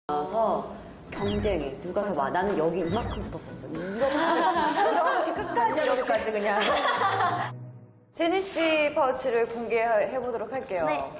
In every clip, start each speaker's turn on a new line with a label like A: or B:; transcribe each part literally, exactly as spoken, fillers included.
A: 나와서 경쟁이 누가 더 많아. 나는 여기 이만큼 붙었었어. 이렇게 끝까지 이렇게까지 그냥.
B: 제니씨 파우치를 공개해 보도록 할게요.
C: 네.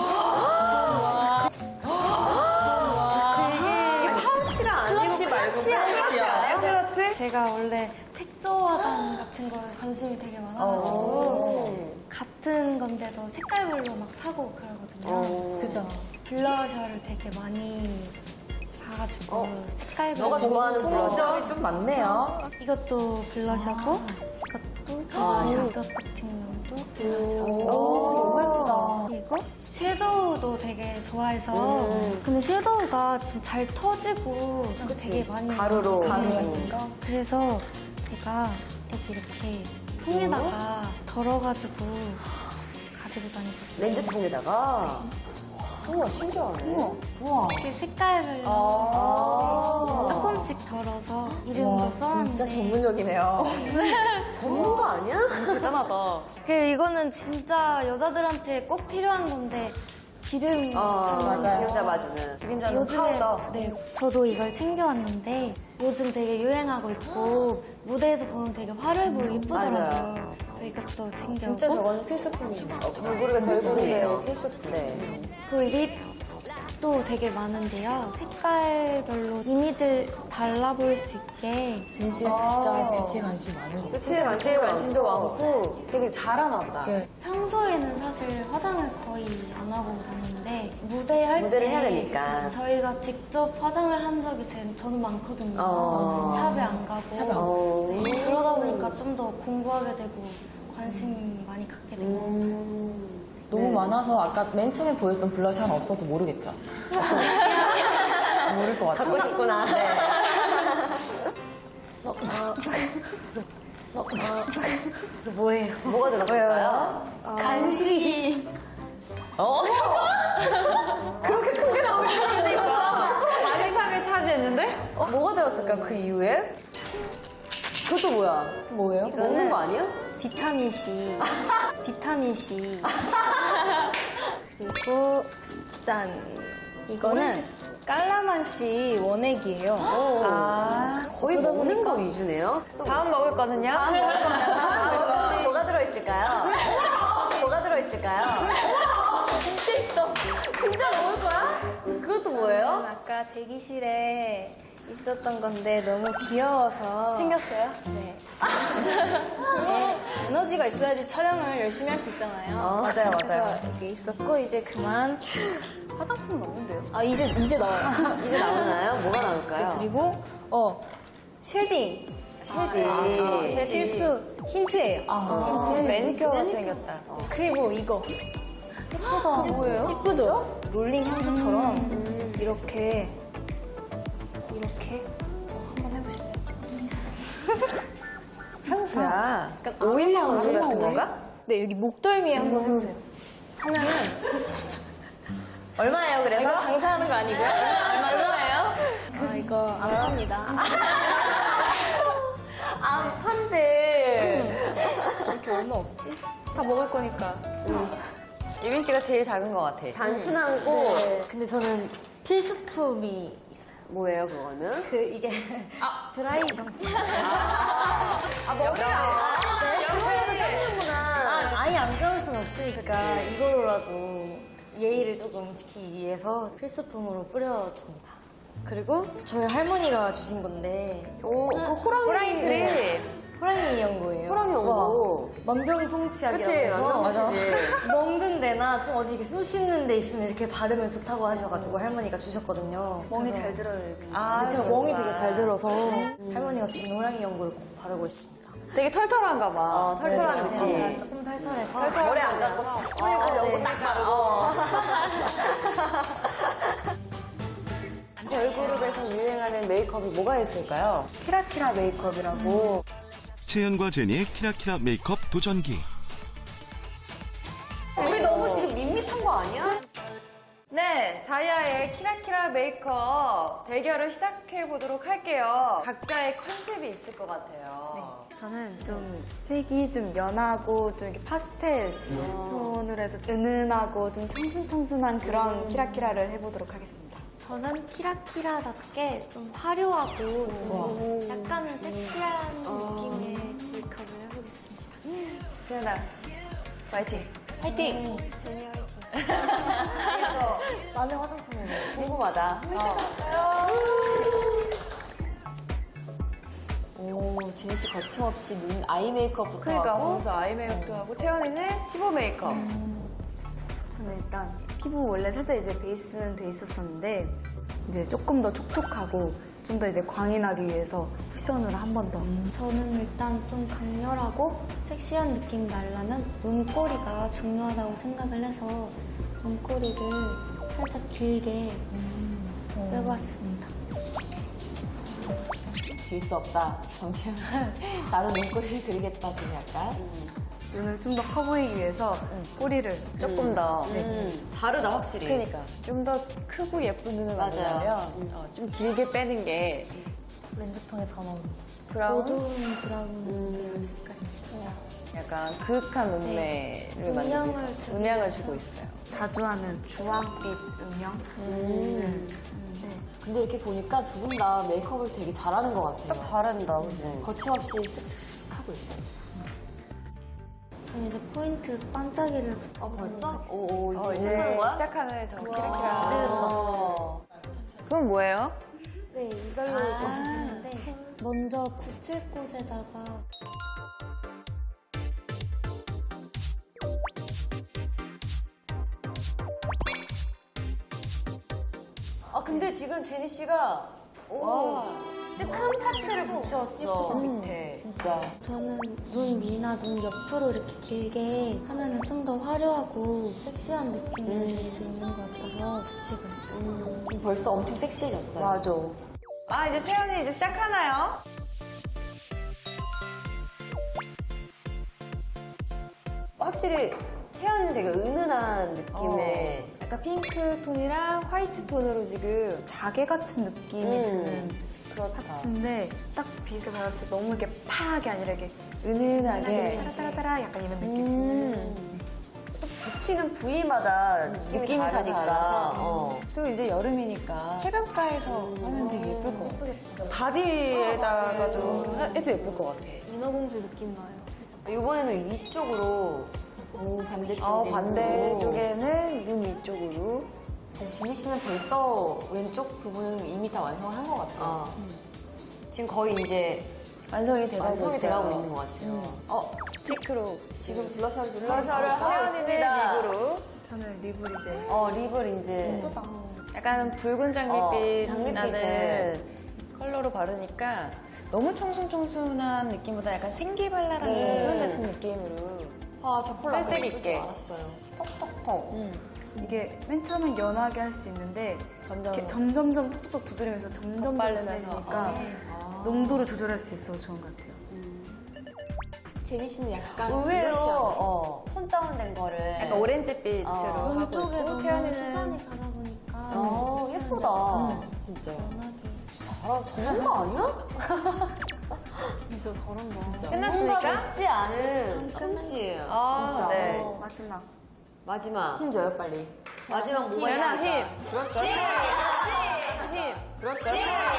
A: 이게 파우치가 아니고
B: 클러치 말고
A: 파우치야.
B: 클러치?
C: 제가 원래 색조 화장 같은 거에 관심이 되게 많아가지고 같은 건데도 색깔별로 막 사고 그러거든요.
B: 그죠.
C: 블러셔를 되게 많이 사가지고 색깔별로
A: 너가 좋아하는 블러셔?
B: 점이 좀 많네요.
C: 이것도 블러셔고 이것도 블러셔 이것 같은 것도 블러셔
B: 오, 너무 예쁘다.
C: 그리고 섀도우도 되게 좋아해서
A: 음.
C: 근데 섀도우가 좀 잘 터지고 되게 많이
A: 가루로.
C: 네.
B: 가루 같은 거?
C: 그래서 제가 여기 이렇게 통에다가 덜어가지고 가지고 다니거든요.
A: 렌즈통에다가. 우와, 신기하네.
B: 우와.
C: 이렇게 색깔별로
B: 아.
C: 조금씩 덜어서 이름도
B: 와,
C: 써놨는데
B: 진짜 전문적이네요.
A: 전문가 아니야?
C: 대단하다. 그 이거는 진짜 여자들한테 꼭 필요한 건데 기름
A: 어,
B: 맞아요.
A: 기름 잡아주는.
B: 그림자는
C: 요즘에
B: 파우더.
C: 네 저도 이걸 챙겨왔는데 요즘 되게 유행하고 있고 무대에서 보면 되게 화려해 보이고 예쁘더라고요.
A: 맞아요.
C: 그래서 이것도 챙겨오고
B: 진짜 저건 필수품이에요.
A: 얼굴에
B: 별거리예요.
A: 필수품. 네.
C: 그 립도 되게 많은데요. 색깔별로 이미지를 달라 보일 수 있게
D: 제니 씨가 진짜 뷰티 관심 많은 것 같아요.
B: 그치, 관심이 관심도 많고 되게 잘하나 보다.
D: 네.
C: 평소에는 사실 화장을 거의 안 하고 다니는데 무대 할
A: 무대를
C: 때
A: 해야 되니까.
C: 저희가 직접 화장을 한 적이 제, 저는 많거든요.
A: 어.
C: 샵에 안 가고
D: 샵에 안
A: 어.
C: 네, 그러다 보니까 좀 더 공부하게 되고 관심 많이 갖게 되고
A: 음.
D: 너무
A: 네.
D: 많아서 아까 맨 처음에 보였던 블러셔 하나 없어도 모르겠죠? 없어도 모를 것 같아요.
A: 갖고 싶구나. 네.
C: 뭐예요?
A: 뭐가 들었을까요?
C: 간식이
A: 어? 그렇게 큰 게 나올 줄 알았는데, 이거.
B: 많은 상을 차지했는데?
A: 어, 뭐가 들었을까, 그 이후에? 그것도 뭐야?
D: 뭐예요?
A: 먹는 거 아니야?
C: 비타민 C, 비타민 C. 그리고 짠. 이거는 깔라만시 원액이에요.
B: 아.
A: 거의 먹는 거 위주네요.
B: 다음 먹을 거는요?
A: 다음 먹을 겁니다. 다음 먹을 거 뭐가 들어있을까요? 뭐가 들어있을까요? 진짜 있어. 진짜 먹을 거야? 그것도 뭐예요?
C: 아까 대기실에 있었던 건데 너무 귀여워서
B: 생겼어요?
C: 네. 네. 에너지가 있어야지 촬영을 열심히 할 수 있잖아요.
A: 어,
D: 맞아요, 맞아요.
C: 그래서 이게 있었고 이제 그만
B: 화장품 없는데요?
C: 아 이제 이제 나와요.
A: 이제 나오나요? 뭐가
C: 이제
A: 나올까요?
C: 그리고 어 쉐딩
A: 쉐딩.
C: 실수 틴트예요.
D: 아,
B: 매니큐어 같이 생겼다.
C: 그리고 이거 예쁘다.
B: 뭐예요?
C: 예쁘죠? 롤링 향수처럼 이렇게 이렇게 한번 해보실래요?
B: 향수야.
C: 약간 오일 향수
B: 오일
C: 같은
B: 오일?
C: 건가? 네 여기 목덜미에 한번 해보세요. 하면은
B: 얼마예요,
C: 아,
B: 그래서?
C: 이거 장사하는 거 아니고요?
B: 얼마예요?
C: 아 이거 안 팝니다. 안 판대. 이렇게 얼마 없지?
B: 다 먹을 거니까. 유빈 씨가 제일 작은 것 같아.
A: 단순하고.
C: 근데 저는 필수품이 있어요.
A: 뭐예요, 그거는?
C: 그 이게 드라이 샴푸.
A: 아, 머리야. 머리도 깎는구나.
C: 아, 아예 안 잡을 수는 없으니까 이거로라도 예의를 조금 지키기 위해서 필수품으로 뿌려줍니다. 그리고 저희 할머니가 주신 건데
A: 오, 그 호랑이.
B: 호랑이 그림.
C: 호랑이 연고예요.
A: 호랑이 연고.
C: 만병통치약이라고
A: 그치,
C: 해서
A: 만병통치지.
C: 먹는 데나 좀 어디 이렇게 쑤 씻는 데 있으면 이렇게 바르면 좋다고 하셔가지고 할머니가 주셨거든요. 멍이 잘 들어요.
B: 아,
C: 제가
B: 그렇구나.
C: 멍이 되게 잘 들어서 할머니가 주신 호랑이 연고를 꼭 바르고 있습니다.
B: 되게 털털한가 봐.
A: 어, 털털한
C: 네,
A: 느낌.
C: 조금 털털해서
A: 머리 안 감고 싹 뿌리고
C: 아,
A: 연고
C: 네.
A: 딱 바르고.
B: 걸그룹에서 유행하는 메이크업이 뭐가 있을까요? 키라키라 메이크업이라고.
E: 채연과 제니의 키라키라 메이크업 도전기.
A: 우리 너무 지금 밋밋한 거 아니야?
B: 네. 다이아의 키라키라 메이크업 대결을 시작해 보도록 할게요. 각자의 컨셉이 있을 것 같아요.
F: 저는 좀 색이 좀 연하고 좀 이렇게 파스텔 톤으로 해서 은은하고 좀 청순청순한 그런 키라키라를 해보도록 하겠습니다.
G: 저는 키라키라답게 좀 화려하고 좀 약간은 섹시한 느낌의 메이크업을 해보겠습니다.
B: 세연아, 파이팅.
A: 화이팅!
C: 나는 화장품으로.
A: 궁금하다.
D: 오, 제니 씨 거침없이 눈 아이 메이크업부터
B: 그러니까
D: 하고.
B: 거기서 아이 메이크업도 하고 채연이는 피부 메이크업.
F: 저는 일단 피부 원래 살짝 이제 베이스는 돼 있었었는데 이제 조금 더 촉촉하고 좀 더 이제 광이 나기 위해서 쿠션으로 한 번 더.
G: 저는 일단 좀 강렬하고 섹시한 느낌 나려면 눈꼬리가 중요하다고 생각을 해서 눈꼬리를 살짝 길게 빼봤습니다.
D: 질 수 없다. 정치현. 나도 눈꼬리를 그리겠다, 지금 약간.
F: 눈을 좀 더 커 보이기 위해서 꼬리를
B: 조금 더.
A: 음, 다르다, 확실히.
B: 그러니까 좀 더 크고 예쁜 눈을 만들려면 어, 좀 길게 빼는 게
C: 렌즈통에서 나오는.
B: 브라운,
G: 어두운 브라운 계열 색깔입니다.
B: 약간 그윽한 눈매를 만들기
G: 음영을
B: 위해서
G: 주기
B: 음향을
G: 위해서.
B: 주고 있어요.
F: 자주 하는 주황빛 음영. 음. 하는데
D: 근데 이렇게 보니까 두 분 다 메이크업을 되게 잘하는 것 같아요.
A: 딱 잘한다, 그지?
D: 거침없이 쓱쓱쓱 하고 있어요.
G: 저는 이제 포인트 반짝이를 붙여보도록
A: 벌써?
G: 하겠습니다.
A: 오, 이제
B: 어, 이제
A: 시작하는 거야?
B: 시작하는 저 키라키라.
A: 아.
B: 그건 뭐예요?
G: 네, 이걸로 이제 붙이는데 먼저 붙일 곳에다가
A: 아, 근데 지금 제니 씨가 오, 진짜 큰 파츠를 붙였어, 밑에.
D: 진짜.
G: 저는 눈 위나 눈 옆으로 이렇게 길게 하면은 좀 더 화려하고 섹시한 느낌을 낼 수 있는 것 같아서 붙이고 있어요.
D: 벌써 엄청 섹시해졌어요.
A: 맞아.
B: 아, 이제 채연이 이제 시작하나요?
A: 확실히 채연이는 되게 은은한 느낌의
B: 어, 약간 핑크 톤이랑 화이트 톤으로 지금
F: 자개 같은 느낌이
A: 음.
F: 드는
B: 그렇다.
F: 파츠인데 딱 빛을 받았을 때 너무 이렇게 파하게 아니라 이렇게
B: 은은하게.
F: 따라따라따라 약간 이런 느낌.
B: 음.
A: 붙이는 부위마다 느낌이,
B: 느낌이 다
A: 다르니까.
B: 달라서.
A: 어.
B: 또 이제 여름이니까 해변가에서 하면 되게 예쁠 것 같아. 바디에다가도 해도 예쁠 것 같아.
C: 인어공주 느낌 나요.
A: 이번에는 위쪽으로
D: 오, 반대쪽에.
B: 어, 반대쪽에는 눈 위쪽으로.
D: 제니 씨는 벌써 왼쪽 부분은 이미 다 완성한 것 같아요.
A: 어. 지금 거의 이제
B: 완성이 돼가고
A: 완성이
B: 있어요.
A: 돼가고 있는 것 같아요.
B: 어, 치크로.
D: 지금 블러셔를 지금
A: 블러셔를
D: 하고
A: 하고
B: 채연이는
A: 있습니다.
B: 립으로.
F: 저는 립을 이제
A: 어, 립을 이제
B: 약간 붉은
A: 어,
B: 장밋빛
A: 장밋빛을.
B: 나는 컬러로 바르니까 너무 청순청순한 느낌보다 약간 생기발랄한
A: 네.
B: 청순 같은 느낌으로
D: 아, 저 컬러
B: 살색 있게.
D: 알았어요. 톡톡톡.
F: 이게 맨 처음엔 연하게 할 수 있는데
B: 점점
F: 이렇게 점점점 톡톡 두드리면서 점점
B: 바르면서.
F: 진해지니까
B: 어.
F: 농도를 조절할 수 있어서 좋은 것 같아요.
D: 제니 씨는 약간
A: 의외로
D: 블러시하네.
A: 어, 톤 다운된 거를
B: 약간 오렌지빛으로
A: 어.
G: 눈
B: 하고
G: 쪽에
B: 있고
G: 너무
B: 채연이는
G: 시선이 가다 보니까
A: 어,
G: 입술을
A: 예쁘다.
G: 약간
D: 진짜요.
G: 연하게
A: 잘하, 전문가 아니야?
F: 진짜 저런 거.
A: 뭔가
B: 끝났습니까?
A: 늦지 않은 솜씨.
B: 아,
A: 진짜.
B: 네.
F: 어, 마지막.
A: 마지막.
D: 힘 줘요, 빨리.
A: 마지막 뭐가
B: 연아,
A: 있을까?
B: 힘.
A: 그렇지.
B: 힘.
A: 그렇지.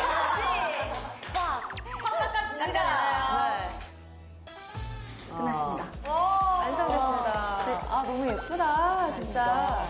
F: 끝났습니다.
B: 완성됐습니다. 아, 너무 예쁘다, 진짜.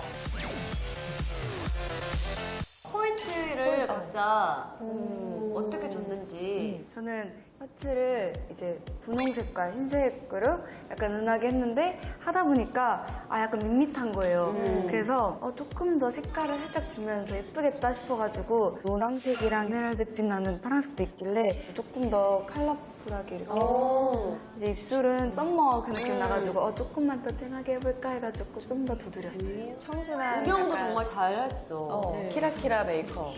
A: 포인트를 각자 음, 어떻게 줬는지.
F: 저는 파츠를 이제 분홍색과 흰색으로 약간 은하게 했는데 하다 보니까 아 약간 밋밋한 거예요. 그래서 어, 조금 더 색깔을 살짝 주면 더 예쁘겠다 싶어가지고 노란색이랑 에메랄드빛 나는 파란색도 있길래 조금 더 컬러풀하게 이렇게 이제 입술은 썸머 그 느낌 나가지고 어, 조금만 더 진하게 해볼까 해가지고 좀 더 두드렸어요.
B: 청순한.
A: 음영도
B: 약간,
A: 정말 잘했어.
B: 어, 키라키라 메이크업.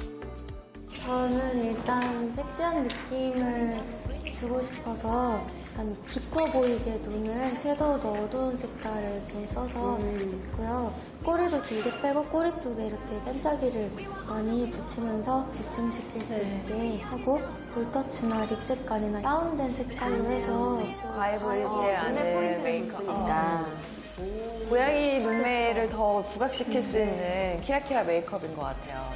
G: 저는 일단 섹시한 느낌을 주고 싶어서 약간 깊어 보이게 눈을 섀도우도 어두운 색깔을 좀 써서 했고요. 꼬리도 길게 빼고 꼬리 쪽에 이렇게 반짝이를 많이 붙이면서 집중시킬 수 있게 하고 볼터치나 립 색깔이나 다운된 색깔로 해서
B: 과해 보이지 않은
A: 눈에 포인트를
B: 메이크업.
A: 줬으니까.
B: 고양이 눈매를 더 부각시킬 수 있는 키라키라 메이크업인 것 같아요.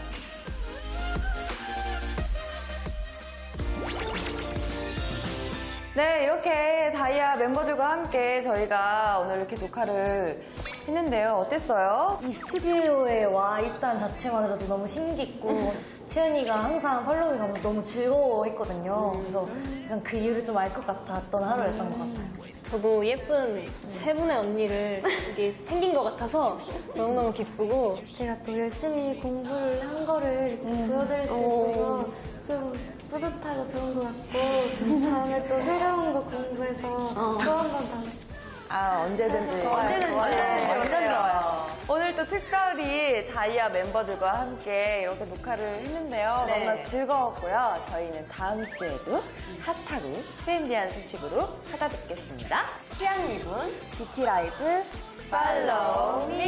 B: 네, 이렇게 다이아 멤버들과 함께 저희가 오늘 이렇게 녹화를 했는데요. 어땠어요?
C: 이 스튜디오에 와 있다는 자체만으로도 너무 신기했고 채연이가 항상 팔로우를 가면서 너무 즐거워했거든요. 그래서 약간 그 이유를 좀 알 것 같았던 하루였던 것 같아요.
H: 저도 예쁜 세 분의 언니를 이게 생긴 것 같아서 너무너무 기쁘고
G: 제가 또 열심히 공부를 한 거를 이렇게 보여드릴 수 있어서 좀 뿌듯하고 좋은 것 같고 다음에 또 새로운 거 공부해서 또 한 번 더
B: 아, 언제든지.
A: 언제든지.
B: 완전 좋아요. 오늘 또 특별히 다이아 멤버들과 함께 이렇게 녹화를 했는데요.
A: 네.
B: 너무나 즐거웠고요. 저희는 다음 주에도 핫하고 트렌디한 소식으로 찾아뵙겠습니다.
A: 취향 리분 뷰티 라이브
B: 팔로우 미!